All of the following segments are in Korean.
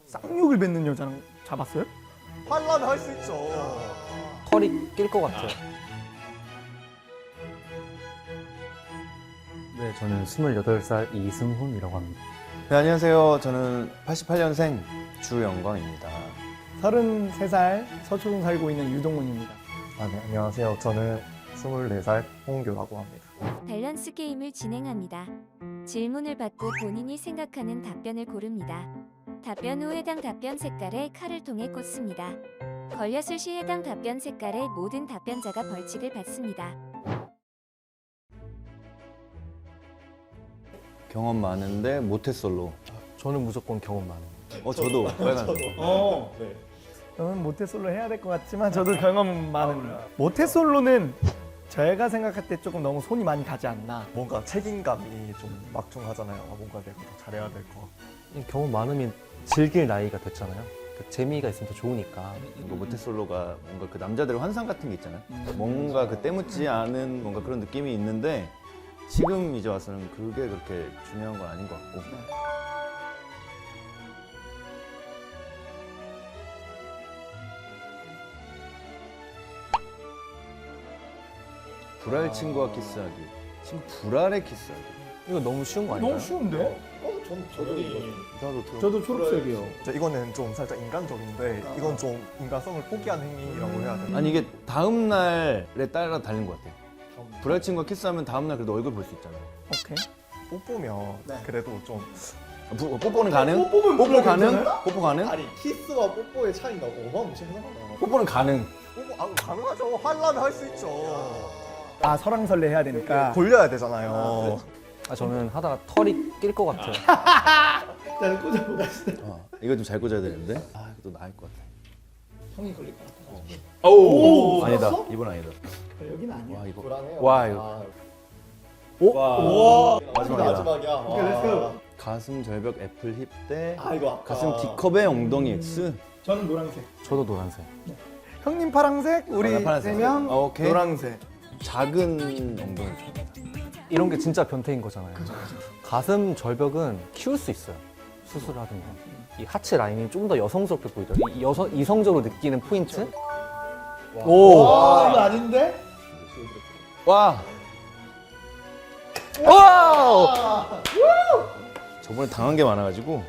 쌍욕을 뱉는 여자랑 잡았어요? 하려면 할 수 있죠. 털이 낄 것 같아요. 네, 저는 28살 이승훈이라고 합니다. 네, 안녕하세요. 저는 88년생 주영광입니다. 33살 서초동 살고 있는 유동훈입니다. 네, 안녕하세요. 저는 24살 홍규라고 합니다. 밸런스 게임을 진행합니다. 질문을 받고 본인이 생각하는 답변을 고릅니다. 답변 후 해당 답변 색깔에 칼을 통해 꽂습니다. 걸렸을 시 해당 답변 색깔의 모든 답변자가 벌칙을 받습니다. 경험 많은데 모태솔로. 저는 무조건 경험 많은. 저도 빨간색. 저는 모태솔로 해야 될 것 같지만 저도 경험 많은. 모태솔로는 제가 생각할 때 조금 너무 손이 많이 가지 않나. 뭔가 책임감이 좀 막중하잖아요. 뭔가 내가 더 잘해야 될 것 같고. 이 경험 많으면 즐길 나이가 됐잖아요. 그 재미가 있으면 더 좋으니까. 뭔가 모태솔로가 뭔가 그 남자들의 환상 같은 게 있잖아요. 뭔가 그 때묻지 않은 뭔가 그런 느낌이 있는데 지금 이제 와서는 그게 그렇게 중요한 건 아닌 것 같고. 불알 친구와 키스하기. 친구 불알에 키스하기. 이거 너무 쉬운 거 아닌가요? 너무 쉬운데? 나도 들어. 저도 초록색이요. 이거는 좀 살짝 인간적인데 이건 좀 인간성을 포기한 행위라고 해야 되나? 아니 이게 다음 날에 따라 다른 것 같아요. 불알 친구와 키스하면 다음 날 그래도 얼굴 볼 수 있잖아요. 오케이. 뽀뽀면 그래도 좀 뽀뽀는 가능? 뽀뽀 가능? 뽀뽀 가능? 아니 키스와 뽀뽀의 차이가 어마무시하잖아요. 뽀뽀는 가능. 뽀뽀 가능하죠. 하려면 할 수 있죠. 아, 설왕설래 해야 되니까. 돌려야 되잖아요. 저는 하다가 털이 낄 것 같아요. 나는 꽂아보다. 이거 좀 잘 꽂아야 되는데. 이거 또 나을 것 같아. 형이 걸릴 것 같아. 오, 아니다. 이번 아니다. 여기는 아니야. 와 이거. 불안해요. 와 이거. 와. 마지막이다. 마지막이야. 오케이, 렛츠고. 가슴 절벽 애플 힙 대 이거 가슴 D컵의 엉덩이 X. 저는 노란색. 저도 노란색. 형님 파랑색, 우리 파란색. 3명 오케이. 노란색. 작은 엉덩이 좋다. 이런 게 진짜 변태인 거잖아요. 가슴 절벽은 키울 수 있어요. 수술하든가. 이 하체 라인이 좀 더 여성스럽게 보이더라고요. 이성적으로 느끼는 포인트? 오! 와, 이거 아닌데? 와. 와! 저번에 당한 게 많아가지고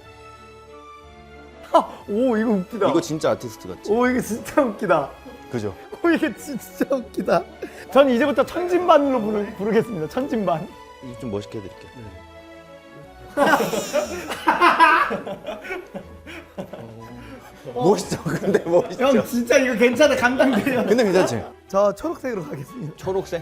오, 이거 웃기다. 이거 진짜 아티스트 같지? 오, 이거 진짜 웃기다. 그죠? 오, 이게 진짜 웃기다. 전 이제부터 천진반으로 부르겠습니다. 천진반. 이거 좀 멋있게 해드릴게요. 멋있죠? 근데 멋있죠? 형, 진짜 이거 괜찮아. 감당돼요. 근데 괜찮지? 저 초록색으로 가겠습니다. 초록색?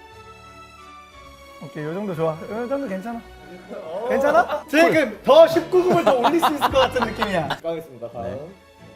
오케이, 요 정도 좋아. 요 정도 괜찮아. 괜찮아? 지금 더 19금을 더 올릴 수 있을 것 같은 느낌이야. 가겠습니다. 다음. 네.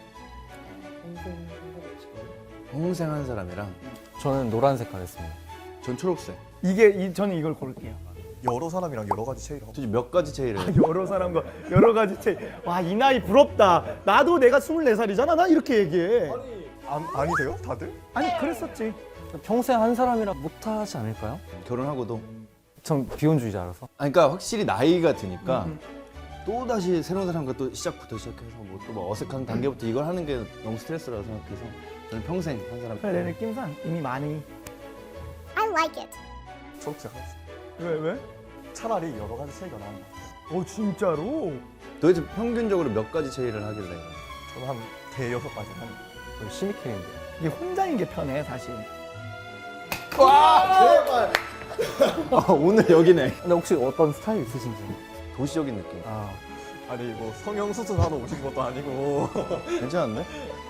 홍생 한 사람이랑 저는 노란색 가겠습니다. 전 초록색. 저는 이걸 고를게요. 여러 사람이랑 여러 가지 체이를 하고. 도대체 몇 가지 체이를 해? 여러 사람과 여러 가지 체. 와, 이 나이 부럽다. 나도 내가 24살이잖아. 나 이렇게 얘기해. 아니세요? 다들? 아니, 그랬었지. 평생 한 사람이랑 못하지 않을까요? 결혼하고도. 전 비혼주의자라서. 그러니까 확실히 나이가 드니까 또 다시 새로운 사람과 또 시작부터 시작해서 뭐 어색한 단계부터 이걸 하는 게 너무 스트레스라고 생각해서 저는 평생 한 사람. 그래, 내 느낌상 이미 많이. I like it. 초록색 하겠습니다. 왜? 차라리 여러 가지 체이가 나은 것 같아요. 오, 진짜로? 도대체 평균적으로 몇 가지 체이를 하길래? 저는 한 대여섯 가지 합니다. 거의 시미케인데. 이게 혼자인 게 편해, 사실. 제발. 오늘 여기네. 근데 혹시 어떤 스타일 있으신지? 도시적인 느낌. 아니 뭐 성형수술하러 오신 것도 아니고. 괜찮은데?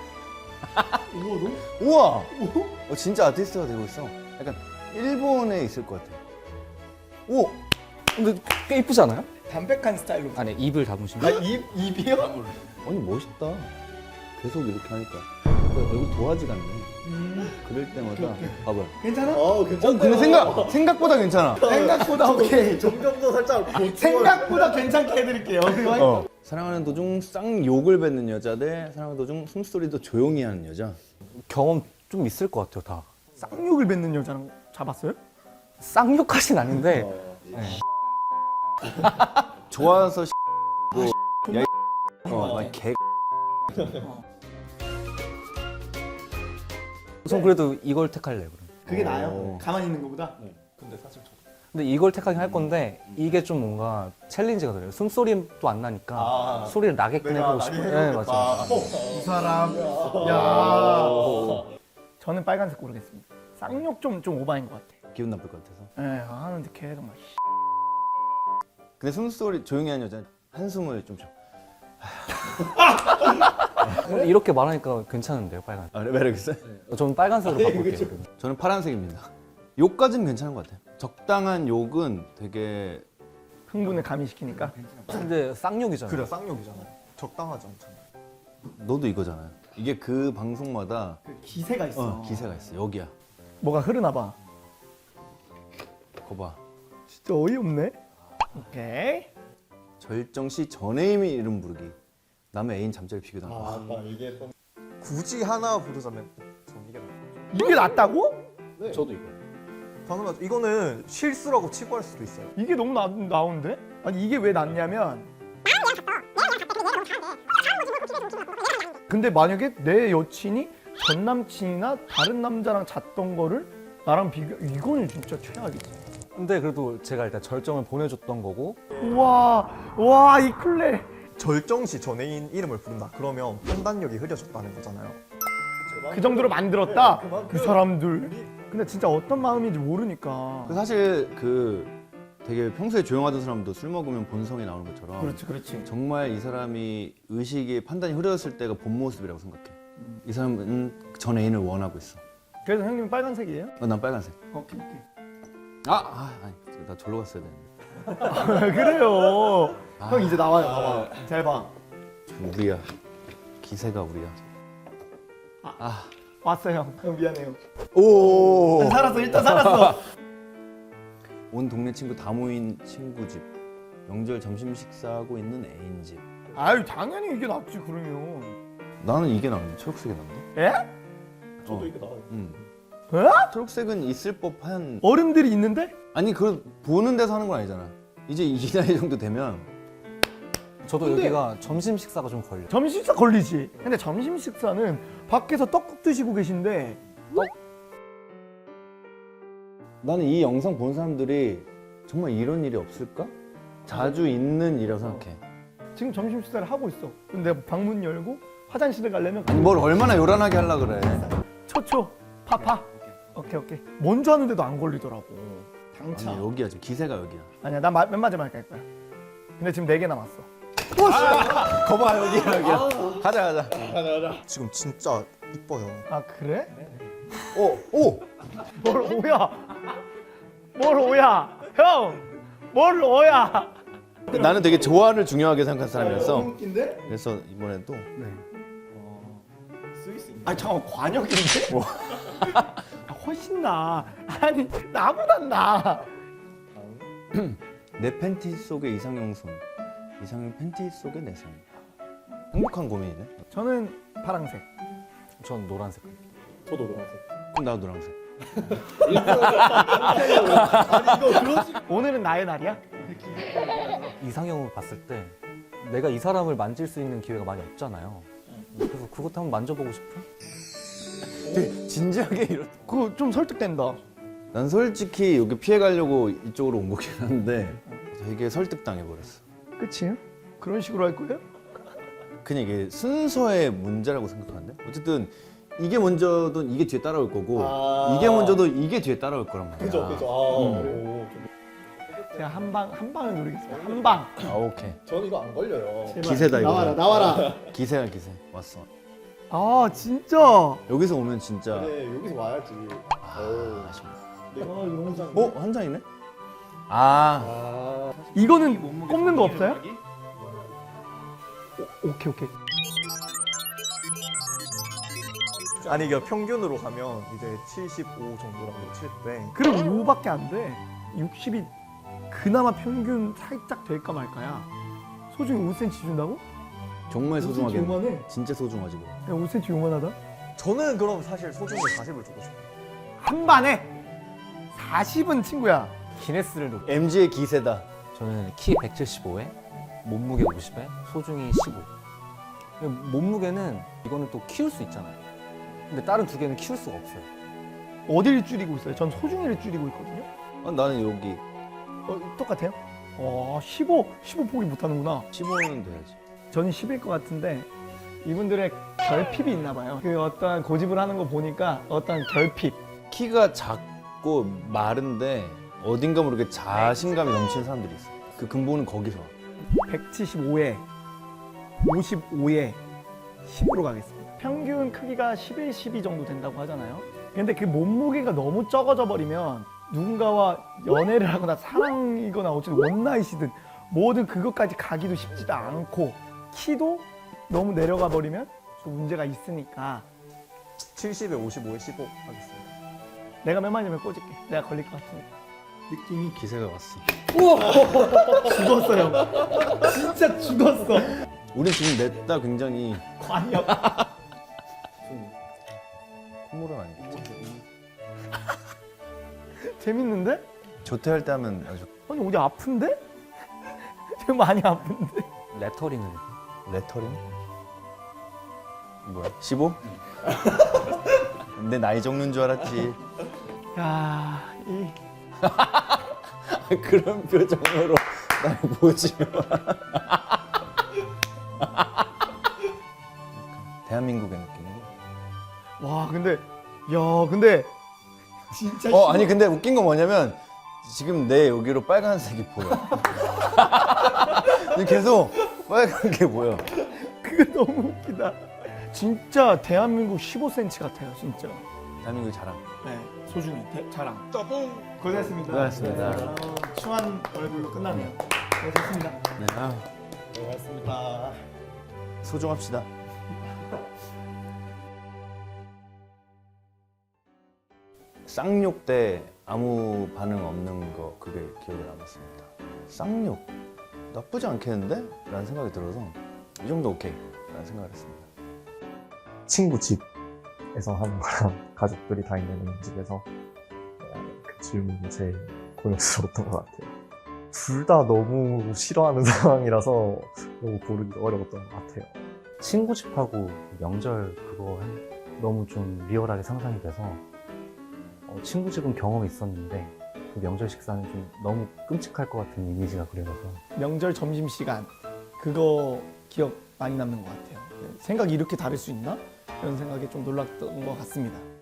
우와! 진짜 아티스트가 되고 있어. 약간 일본에 있을 것 같아. 오! 근데 꽤 이쁘지 않아요? 담백한 스타일로. 아니, 입을 담으시면. 입이요? 아니 멋있다. 계속 이렇게 하니까 얼굴 도화지 같네. 그럴 때마다 봐봐요. 괜찮아? 괜찮네요. 근데 생각보다 괜찮아. 생각보다 오케이. 점점 더 살짝 생각보다 괜찮게 해드릴게요. 사랑하는 도중 쌍욕을 뱉는 여자 대 사랑하는 도중 숨소리도 조용히 하는 여자. 경험 좀 있을 것 같아요, 다. 쌍욕을 뱉는 여자랑 잡았어요? 쌍욕까진 아닌데 네. 좋아서 뭐 야, 막 개 전 그래도 이걸 택할래요. 그럼. 그게 오. 나아요? 가만히 있는 것보다? 근데 사실 저도 근데 이걸 택하긴 할 건데 이게 좀 뭔가 챌린지가 돼요. 숨소리도 안 나니까 아. 소리를 나게끔 내가 해보고 나게 싶어요. 네, 해보겠다. 맞아요. 이 사람 야 저는 빨간색 고르겠습니다. 쌍욕 좀 오바인 것 같아. 기분 나쁠 것 같아서. 예, 하는데 계속 막 근데 숨소리 조용히 하는 여자 한숨을 좀 쉬어. 이렇게 말하니까 괜찮은데요, 빨간. 아, 매력 있어요? 저는 빨간색으로 바꿀게요. 저는 파란색입니다. 욕까지는 괜찮은 것 같아요. 적당한 욕은 되게 흥분을 가미시키니까. 근데 쌍욕이잖아요. 그래 쌍욕이잖아요. 적당하지 않잖아요. 너도 이거잖아요. 이게 그 방송마다 그 기세가 있어. 기세가 있어. 여기야. 뭐가 흐르나 봐. 거봐. 진짜 어이없네. 오케이. 절정 시 전애인의 이름 부르기. 남의 애인 잠자리 비교당. 아, 아까 얘기했던 굳이 하나 부르자면 전 이게 나아요. 이게 낫다고? 저도 이거. 당연하죠. 이거는 실수라고 치부할 수도 있어요. 이게 너무 나오는데? 아니 이게 왜 낫냐면 근데 만약에 내 여친이 전 남친이나 다른 남자랑 잤던 거를 나랑 비교 이거는 진짜 최악이지. 근데 그래도 제가 일단 절정을 보내줬던 거고 와 이 클레. 절정시 전애인 이름을 부른다. 그러면 판단력이 흐려졌다는 거잖아요. 그 정도로 만들었다. 그 사람들. 근데 진짜 어떤 마음인지 모르니까. 사실 그 되게 평소에 조용하던 사람도 술 먹으면 본성이 나오는 것처럼 그렇지. 정말 이 사람이 의식이 판단이 흐려졌을 때가 본 모습이라고 생각해. 이 사람은 전 애인을 원하고 있어. 그래서 형님은 빨간색이에요? 난 빨간색. 오케이. 아니, 나 절로 갔어야 되는데. 그래요. 형 이제 나와요. 잘 봐. 우리야. 기세가 우리야. 왔어요. 형 미안해요. 오. 살았어. 일단 살았어. 온 동네 친구 다 모인 친구 집. 명절 점심 식사하고 있는 애인 집. 아유 당연히 이게 낫지 그러면. 나는 이게 나은데 초록색이 나은데? 에? 저도 이게 나와요. 에? 초록색은 있을 법한. 어른들이 있는데? 아니 그 보는 데서 하는 건 아니잖아. 이제 이 나이 정도 되면 저도 여기가 점심 식사가 좀 걸려. 점심 식사 걸리지. 근데 점심 식사는 밖에서 떡국 드시고 계신데 나는 이 영상 본 사람들이 정말 이런 일이 없을까? 자주 있는 일이라고 생각해. 지금 점심 식사를 하고 있어. 근데 내가 방문 열고 화장실을 가려면 아니 뭘 얼마나 요란하게 하려 그래. 초초 파파. 오케이. 먼저 하는데도 안 걸리더라고. 당차. 아니 여기야 지금 기세가 여기야. 아니야 나 맨 마지막에 갈 거야. 근데 지금 4개 남았어. 거봐 여기야. 가자. 지금 진짜 이뻐요. 아 그래? 오. 뭘 오야? 뭘 오야? 형! 뭘 오야? 나는 되게 조화를 중요하게 생각한 사람이었어. 웃긴데? 그래서 이번에도 아니 잠깐 관역인데? 아, 훨씬 나. 아니 나보단 나. 내 팬티 속에 이상형 손, 이상형 팬티 속에 내 손. 행복한 고민이네. 저는 파란색. 전 노란색. 저도 노란색. 그럼 나도 노란색. 오늘은 나의 날이야? 이상형을 봤을 때 내가 이 사람을 만질 수 있는 기회가 많이 없잖아요. 그래서 그것도 한번 만져보고 싶어. 진지하게 이런. 그거 좀 설득된다. 난 솔직히 여기 피해 가려고 이쪽으로 온 거긴 한데 되게 설득당해 버렸어. 끝이에요? 그런 식으로 할 거예요? 그냥 이게 순서의 문제라고 생각하는데 어쨌든 이게 먼저든 이게 뒤에 따라올 거고 이게 먼저도 이게 뒤에 따라올 거란 말이야. 그죠. 오, 제가 한 방을 노리겠습니다. 한 방. 오케이. 전 이거 안 걸려요. 제발. 기세다 이거. 나와라. 기세야 기세. 왔어. 아 진짜. 여기서 오면 진짜. 그래, 여기서 와야지. 아쉽네. 내가 영상. 한 장이네? 이거는 꼽는 거 없어요? 오케이. 아니 이게 평균으로 가면 이제 75 정도라고 칠 때 그럼 요밖에 안 돼. 60이 그나마 평균 살짝 될까 말까야. 소중히 5cm 준다고? 정말 5cm 소중하게. 요만해. 진짜 소중하지 뭐. 야 5cm 요만하다? 저는 그럼 사실 소중히 40을 주고 싶어요. 한 반에 40은 친구야. 기네스를 놓고 MG의 기세다. 저는 키 175에 몸무게 50에 소중히 15. 몸무게는 이거는 또 키울 수 있잖아요. 근데 다른 두 개는 키울 수가 없어요. 어디를 줄이고 있어요? 전 소중이를 줄이고 있거든요. 나는 여기 똑같아요? 15 포기 못하는구나. 15는 돼야지. 저는 10일 것 같은데 이분들의 결핍이 있나 봐요. 그 어떠한 고집을 하는 거 보니까 어떠한 결핍. 키가 작고 마른데 어딘가 모르게 자신감이 넘치는 사람들이 있어. 그 근본은 거기서. 175에 55에 10으로 가겠습니다. 평균 크기가 11, 12 정도 된다고 하잖아요. 근데 그 몸무게가 너무 적어져 버리면 누군가와 연애를 하거나 사랑이거나 어쨌든 원나잇이든 뭐든 그것까지 가기도 쉽지도 않고 키도 너무 내려가 버리면 좀 문제가 있으니까 70에 55에 15 하겠습니다. 내가 몇 마디면 꽂을게. 내가 걸릴 것 같으니까. 느낌이 기세가 왔어. 죽었어요. 진짜 죽었어. 우리 지금 냈다 굉장히 관역. 콧물은 아니겠지. 재밌는데? 조퇴할 때 하면 아주 아니 어디 아픈데? 지금 많이 아픈데? 레터링을 레터링? 뭐야? 15? 내 나이 적는 줄 알았지. 야, 이 그런 표정으로 날 보지 마. 대한민국의 느낌. 와, 근데 근데 진짜 아니 근데 웃긴 건 뭐냐면 지금 내 여기로 빨간색이 보여. 근데 계속 빨간 게 보여. 그거 너무 웃기다. 진짜 대한민국 15cm 같아요, 진짜. 대한민국의 자랑. 네, 소중히 자랑. 고생했습니다. 고생하셨습니다. 추한 얼굴로 끝나네요. 고생했습니다. 네, 아유, 고맙습니다. 소중합시다. 쌍욕 때 아무 반응 없는 거 그게 기억에 남았습니다. 쌍욕 나쁘지 않겠는데? 라는 생각이 들어서 이 정도 오케이 라는 생각을 했습니다. 친구 집에서 하는 거랑 가족들이 다 있는 집에서 그 질문이 제일 곤욕스러웠던 것 같아요. 둘 다 너무 싫어하는 상황이라서 너무 고르기 어려웠던 것 같아요. 친구 집하고 명절 그거 너무 좀 리얼하게 상상이 돼서 친구 집은 경험이 있었는데 그 명절 식사는 좀 너무 끔찍할 것 같은 이미지가 그려져서 명절 점심 시간 그거 기억 많이 남는 것 같아요. 생각이 이렇게 다를 수 있나? 이런 생각에 좀 놀랐던 것 같습니다.